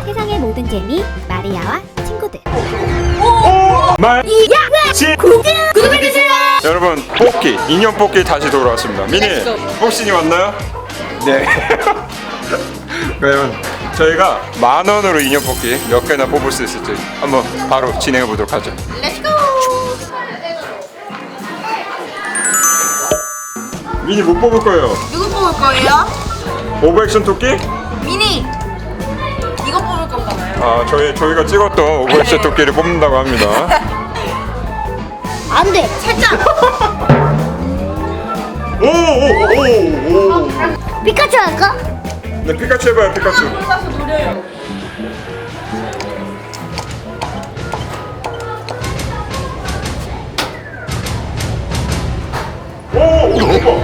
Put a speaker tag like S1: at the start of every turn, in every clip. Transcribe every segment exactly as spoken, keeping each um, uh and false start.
S1: 세상의 모든 재미 마리아와 친구들.
S2: 말
S1: 야!
S2: 시
S1: 구독해주세요.
S2: 여러분, 뽑기 인형 뽑기 다시 돌아왔습니다. 미니 복신이 왔나요? 네. 그러면 저희가 만 원으로 인형 뽑기 몇 개나 뽑을 수 있을지 한번 바로 진행해 보도록 하죠.
S1: 렛츠고.
S2: 미니 못 뽑을 거예요.
S3: 누구 뽑을 거예요?
S2: 오버액션 토끼?
S3: 미니! 이거 뽑을 건가 봐요.
S2: 아, 저희 저희가 찍었던 오버액션 토끼를 뽑는다고 합니다.
S1: 안 돼.
S3: 살짝!
S2: 오오오오.
S1: 피카츄 할까?
S2: 네, 피카츄 해봐요, 피카츄.
S3: 가서 노려요.
S2: 오, 오, 오빠.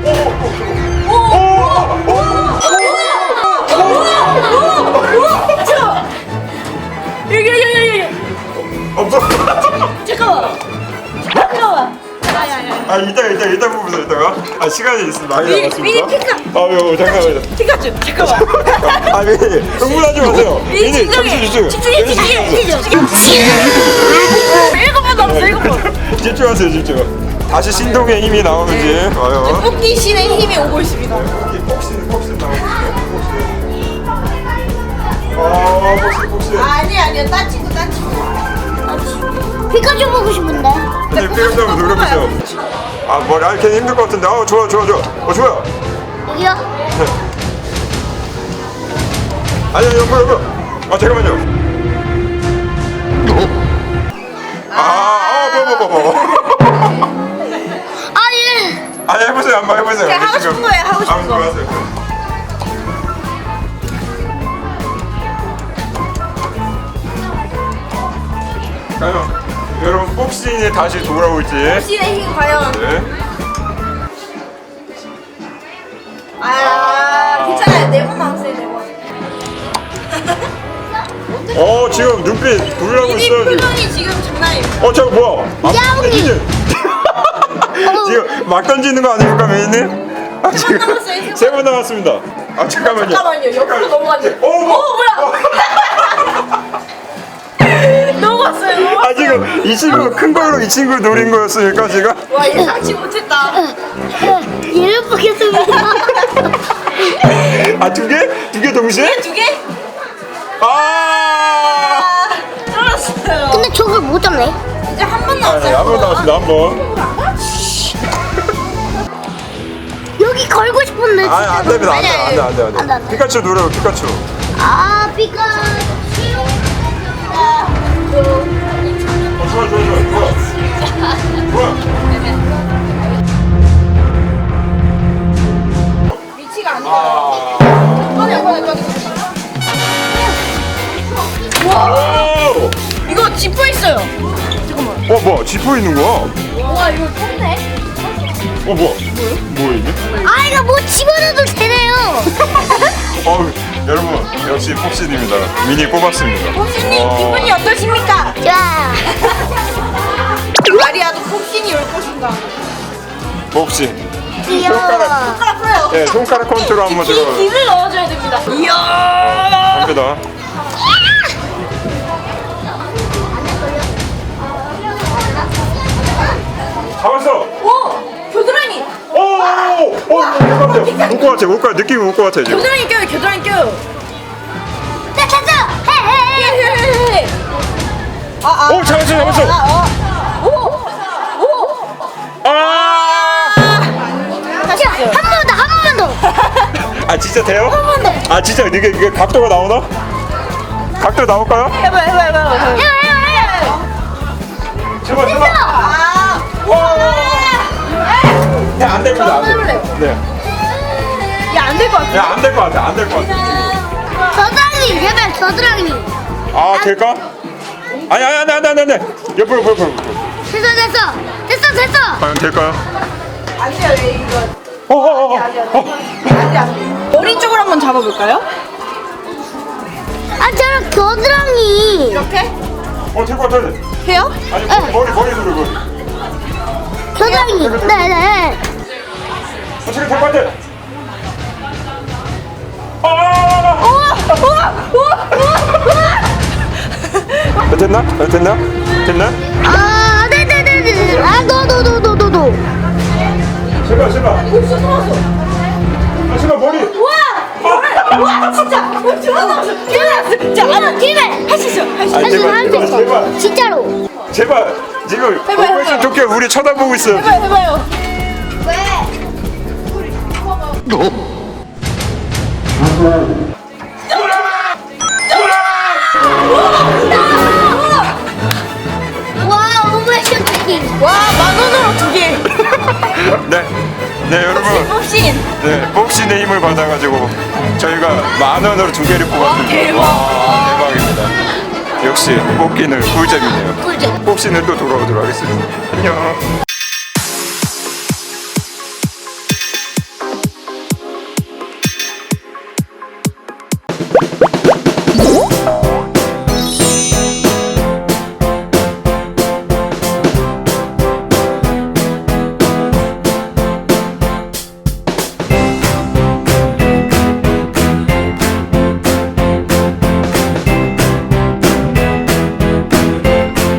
S3: 여기, 여기, 여기, 여기!
S2: 없어.
S3: 잠깐만! 잠깐만!
S2: 아, 이따가 이따가 이따 뽑으세요, 이따가. 아, 시간이 있습니다. 많이
S3: 미니,
S2: 남았습니다.
S3: 미니 피카.
S2: 아유, 잠깐만요.
S3: 피카츄! 잠깐만!
S2: 아, 미니 흥분하지 마세요.
S3: 미니
S2: 잠시
S3: 집중해! 집중해! 집중해! 집중해! 일곱 번 남았어, 일곱 번!
S2: 집중하세요, 집중. 다시 신동의 힘이 나오는지 봐요.
S3: 뽑기 신의 힘이 오고 있습니다.
S2: 복신, 복신 나오고 복신. 아, 복신, 복신.
S3: 아니, 아니요. 딴 친구, 딴 친구.
S1: 피카츄 보고 싶은데.
S2: 근데 피카츄 한번 노려보세요. 아, 머리 아, 걔 힘들 것 같은데. 아, 좋아, 좋아, 좋아. 어, 좋아요.
S1: 여기요?
S2: 아니요, 여보, 여보. 아, 잠깐만요. 아, 아, 뭐, 뭐, 뭐, 뭐.
S1: 아 예.
S2: 아니, 해보세요, 한번 해보세요.
S3: 그냥 하고
S2: 지금.
S3: 싶은 거예요, 하고 싶은
S2: 한번
S3: 거.
S2: 하세요. 과연 여러분 복싱이 다시 돌아올지.
S3: 신의 힘 과연.
S2: 네.
S3: 아, 괜찮아요. 네 번 남았어요, 네 번.
S2: 어, 지금 눈빛 돌려고
S3: 미니
S2: 있어요. 지금.
S3: 표정이 지금 장난이에요.
S2: 어, 저거 뭐야? 아,
S1: 야옹이.
S2: 미니. 지금 막 던지는 거 아닙니까, 미니님? 아,
S3: 세번 남았어요,
S2: 세 번 남았습니다. 아, 잠깐만요.
S3: 잠깐만요. 옆으로 넘어갔네.
S2: 오,
S3: 오, 뭐야? 넘어갔어요, 넘어갔어요.
S2: 아, 지금 이 친구 큰 걸로 이 친구 노린 거였으니까 지금.
S3: 와, 예상치 못했다.
S1: 얘를 보겠습니다.
S2: 아, 두 개? 두 개 동시에?
S3: 두 개?
S2: 아!
S3: 아, 쫄았어요.
S1: 근데 저걸 못 잡네.
S3: 이제 한 번
S2: 아,
S3: 남았어요.
S2: 네, 한번 남았습니다. 한 번.
S1: 여기 걸고 싶은데.
S2: 아, 안 됩니다. 안 돼, 안 돼, 안 돼, 안
S1: 안 돼,
S2: 돼.
S1: 안 돼.
S2: 피카츄 노래요, 피카츄.
S1: 아 피카츄.
S2: 어, 좋아, 좋아, 좋아, 좋아. 좋아.
S3: 위치가 안 돼.
S2: 아.
S3: 꺼내, 꺼내, 꺼내.
S2: 오!
S3: 이거 지퍼 있어요. 잠깐만.
S2: 어, 뭐야? 지퍼 있는 거야? 어,
S3: 와, 이거 컸네.
S2: 뭐야? 뭐야, 이게?
S1: 아 이거 뭐 집어넣어도 되네요.
S2: 어, 여러분, 역시 폭신입니다. 미니 뽑았습니다.
S3: 복신님
S2: 와.
S3: 기분이 어떠십니까?
S1: 자.
S3: 마리아도 복신이 올 것인가?
S2: 폭신.
S1: 귀여워.
S3: 손가락 풀어요.
S2: 네, 손가락 컨트롤 한번
S3: 기,
S2: 들어.
S3: 기를 넣어줘야 됩니다. 이야.
S2: 갑니다. 잡았어.
S3: 오, 겨드랑이.
S2: 오, 오, 올것 같아. 올것 같아. 올것 같아. 느낌이 올 것 같아 지금.
S3: 겨드랑이 껴요. 겨드랑이 껴요.
S1: 나 찾아. 헤헤.
S3: 아, 아.
S2: 오, 잡았어, 잡았어.
S3: 아, 어. 오, 오.
S2: 아,
S3: 다시
S1: 한
S3: 할게요.
S1: 번 더, 한 번 더.
S2: 아 진짜 돼요? 아 진짜 이게 이게 각도가 나오나? 각도 나올까요?
S3: 해봐, 해봐, 해봐, 해봐.
S1: 해요, 해요, 해요.
S2: 제발 제발.
S3: 아,
S2: 와. 네, 안 됩니다. 안
S3: 한번
S2: 돼.
S3: 해볼래요.
S2: 네.
S3: 야, 안 될 것 같아.
S2: 야, 안 될 것 같아. 안 될 것 같아.
S1: 겨드랑이, 제발 겨드랑이.
S2: 아, 될까? 아니, 아니, 아니, 아니, 아니, 아니. 옆으로, 옆으로, 옆으로.
S1: 됐어, 됐어, 됐어, 됐어.
S2: 과연 될까요?
S3: 안 돼요, 얘 이거.
S2: 어, 어, 어,
S3: 안 돼, 안
S2: 어.
S3: 돼. 안 돼, 안 돼. 머리 쪽으로 한번 잡아볼까요?
S1: 아, 저런 겨드랑이.
S3: 이렇게?
S2: 어, 될 것 같아.
S3: 해요?
S2: 아니, 머리, 머리, 머리 들어, 머리.
S1: 겨드랑이. 네, 네.
S2: 어, 지금 될것 같아. 아!
S3: 우와! 우와! 우와! 우와!
S2: 됐나? 어, 됐나? 됐나?
S1: 아, 네네네네. 아, 너, 너, 너, 너, 너, 너.
S2: 제발 제발. 아 제발 머리.
S3: 와 진짜 두번 남았어. 두번 남았어. 자 하나
S1: 기회.
S3: 할 수 있어. 할 수
S2: 아,
S3: 있어.
S1: 할수
S2: 제발,
S1: 할수
S2: 제발,
S1: 있어.
S2: 제발.
S1: 진짜로.
S2: 제발 지금
S3: 해봐요,
S2: 오버웨이션
S3: 해봐요.
S2: 도끼 우리 쳐다보고 있어.
S3: 해봐요 해봐요.
S1: 와, 오버액션 토끼.
S3: 와만 원으로 두 개.
S2: 네, 네 여러분.
S3: 혹시
S2: 네, 복신의 힘을 받아가지고 저희가 만 원으로 두 개를 뽑았습니다.
S3: 대박.
S2: 와, 대박입니다. 역시 뽑기는 꿀잼이네요.
S1: 꿀잼.
S2: 복신은 또 돌아오도록 하겠습니다. 안녕.